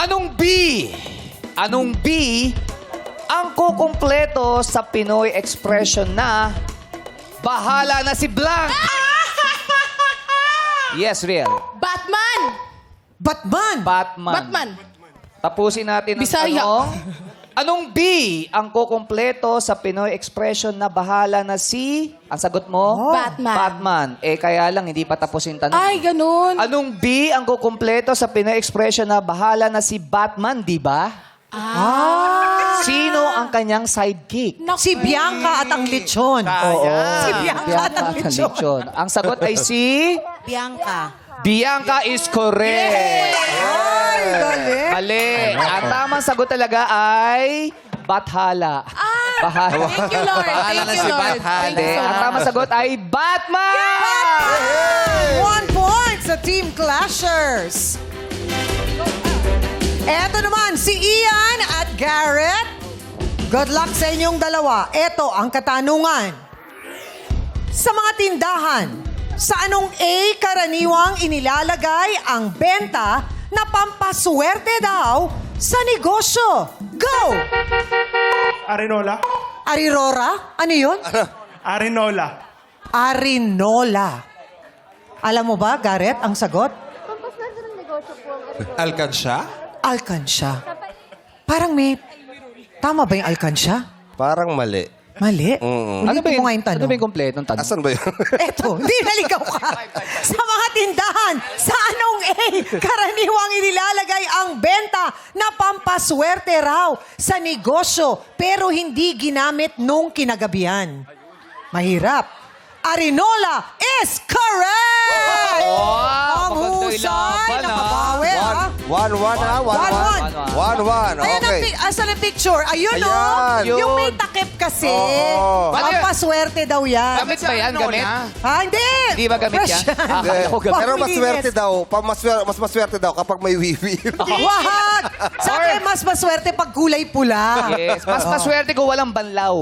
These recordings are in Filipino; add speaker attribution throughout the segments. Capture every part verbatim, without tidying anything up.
Speaker 1: Anong B? Anong B ang kukumpleto sa Pinoy expression na bahala na si Blank? Yes, real.
Speaker 2: Batman!
Speaker 3: Batman!
Speaker 1: Batman.
Speaker 2: Batman!
Speaker 1: Tapusin natin ang
Speaker 2: Bisaya.
Speaker 1: tanong. Anong B ang kukumpleto sa Pinoy expression na bahala na si... Ang sagot mo?
Speaker 2: Batman.
Speaker 1: Batman. Eh, kaya lang, hindi pa tapos yung tanong.
Speaker 2: Ay, ganun.
Speaker 1: Anong B ang kukumpleto sa Pinoy expression na bahala na si Batman, di ba?
Speaker 3: Ah!
Speaker 1: Sino ang kanyang sidekick?
Speaker 2: Naku.
Speaker 3: Si Bianca at ang lechon. Oo. Si Bianca at ang
Speaker 1: Bianca
Speaker 3: lechon.
Speaker 1: Lechon. Ang sagot ay si...
Speaker 3: Bianca.
Speaker 1: Bianca is correct.
Speaker 3: Ay, galing.
Speaker 1: Mali. Ang tamang sagot talaga ay Bathala. Bahala.
Speaker 2: Thank you, Lord.
Speaker 4: Bahala
Speaker 2: Thank
Speaker 4: na
Speaker 2: you,
Speaker 4: si
Speaker 2: Lord.
Speaker 4: Batman.
Speaker 2: Thank you
Speaker 1: Hindi.
Speaker 2: so
Speaker 1: Ang
Speaker 2: much.
Speaker 1: tamang sagot ay Batman!
Speaker 3: One point sa Team Clashers. Eto naman, si Ian at Garrett. Good luck sa inyong dalawa. Eto ang katanungan. Sa mga tindahan, sa anong A karaniwang inilalagay ang benta na pampaswerte daw sa negosyo? Go!
Speaker 5: Arinola?
Speaker 3: Arirora? Ano yun?
Speaker 5: Arinola.
Speaker 3: Arinola. Alam mo ba, Garrett, ang sagot?
Speaker 4: Alkansya?
Speaker 3: Alkansya. Parang may... Tama ba yung alkansya?
Speaker 6: Parang mali.
Speaker 3: Mali?
Speaker 6: Mm.
Speaker 1: Ano ba
Speaker 3: Ulitin
Speaker 1: yung,
Speaker 3: mo nga yung
Speaker 1: ano
Speaker 3: tanong.
Speaker 1: ba yung kompletong tanong?
Speaker 6: Asan ba yun?
Speaker 3: Eto, hindi naligaw ka. Sa mga tindahan, sa anong A, karaniwang inilalagay ang benta na pampaswerte raw sa negosyo pero hindi ginamit nung kinagabihan. Mahirap. Arinola is correct!
Speaker 1: Wow,
Speaker 3: Ang
Speaker 1: maganda
Speaker 3: husay,
Speaker 1: ilaban, ah.
Speaker 3: nakabawi, ha?
Speaker 6: One, one, ha? One,
Speaker 3: One,
Speaker 6: one.
Speaker 3: one.
Speaker 6: One, one.
Speaker 3: Ayan ang,
Speaker 6: Okay.
Speaker 3: pic- asan ang picture? Ayun,
Speaker 6: Ayan.
Speaker 3: oh.
Speaker 1: Yun.
Speaker 3: Yung may takip kasi.
Speaker 6: Oo.
Speaker 3: Pampaswerte daw yan.
Speaker 1: Gamit ba yan? Gamit?
Speaker 3: Ha, hindi.
Speaker 1: Hindi ba gamit
Speaker 3: Fresh
Speaker 1: yan? Ah,
Speaker 6: Hindi.
Speaker 1: akala ko gamit.
Speaker 6: Pero
Speaker 3: Pang
Speaker 6: maswerte
Speaker 3: linis.
Speaker 6: daw. Pa, maswerte, mas maswerte daw kapag may wiwi.
Speaker 3: Wag! Sa akin, mas maswerte pag kulay pula.
Speaker 1: Yes. Mas maswerte ko walang banlaw.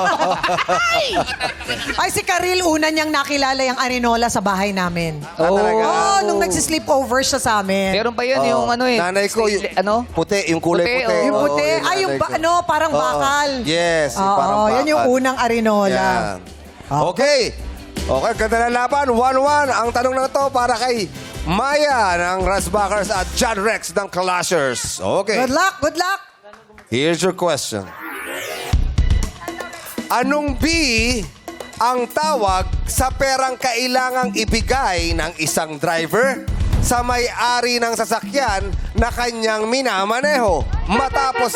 Speaker 3: Ay, si Karil, una niyang nakilala yung Arinola sa bahay namin.
Speaker 6: Ah, talaga?
Speaker 3: Oh, nung nagsisleepover siya sa amin.
Speaker 1: Meron pa yun yung ano eh.
Speaker 6: Nanay ko, yung,
Speaker 1: ano?
Speaker 6: puti, yung kulay
Speaker 1: Puti,
Speaker 6: puti.
Speaker 1: oo.
Speaker 3: Yung puti.
Speaker 6: Oo,
Speaker 3: Ay, yung
Speaker 6: nanay
Speaker 3: ba-
Speaker 6: ko.
Speaker 3: ano, parang
Speaker 6: Oo.
Speaker 3: bakal.
Speaker 6: Yes, yung
Speaker 3: Oo,
Speaker 6: parang bakal.
Speaker 3: yan yung unang Arinola.
Speaker 6: Yan. Okay. Okay, ganda na laban. one one. Ang tanong na to para kay Maya ng Rasbackers at John Rex ng Clashers. Okay.
Speaker 3: Good luck, good luck.
Speaker 6: Here's your question. Anong B ang tawag sa perang kailangang ibigay ng isang driver sa may-ari ng sasakyan na kanyang minamaneho matapos...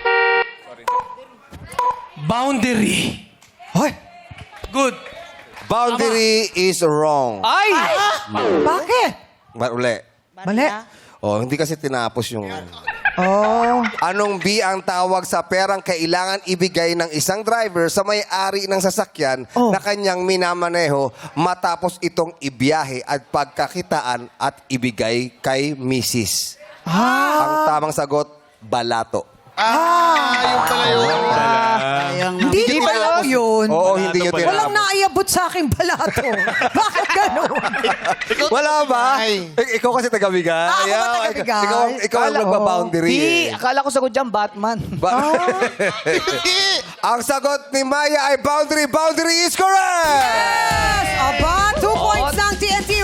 Speaker 4: Boundary.
Speaker 3: Hoy,
Speaker 4: Good.
Speaker 6: Boundary is wrong.
Speaker 1: Ay!
Speaker 3: bakit?
Speaker 6: Ba- uli.
Speaker 3: Mali.
Speaker 6: Oh, hindi kasi tinapos yung...
Speaker 3: Oh.
Speaker 6: Anong B ang tawag sa perang kailangan ibigay ng isang driver sa may-ari ng sasakyan
Speaker 3: Oh.
Speaker 6: na kanyang minamaneho matapos itong ibiyahe at pagkakitaan at ibigay kay misis?
Speaker 3: Ah.
Speaker 6: Ang tamang sagot, balato.
Speaker 4: Yung pala yun.
Speaker 3: Hindi ba alam mo yun?
Speaker 6: Oo, hindi nyo
Speaker 3: Walang
Speaker 6: tinapos.
Speaker 3: naiabot sa aking balato. Bakit ganun?
Speaker 6: Wala ba? Ik- ikaw kasi taga-bigay.
Speaker 3: Ah, ako ba
Speaker 6: Ayaw,
Speaker 3: taga-Bigay?
Speaker 6: Ikaw, ikaw ang
Speaker 3: Kala-
Speaker 6: nagpa-boundary.
Speaker 1: Di,
Speaker 6: eh.
Speaker 1: akala ko sagot dyan, Batman.
Speaker 6: Ba- Ang sagot ni Maya ay boundary. Boundary is correct!
Speaker 3: Aba, two points ng T N T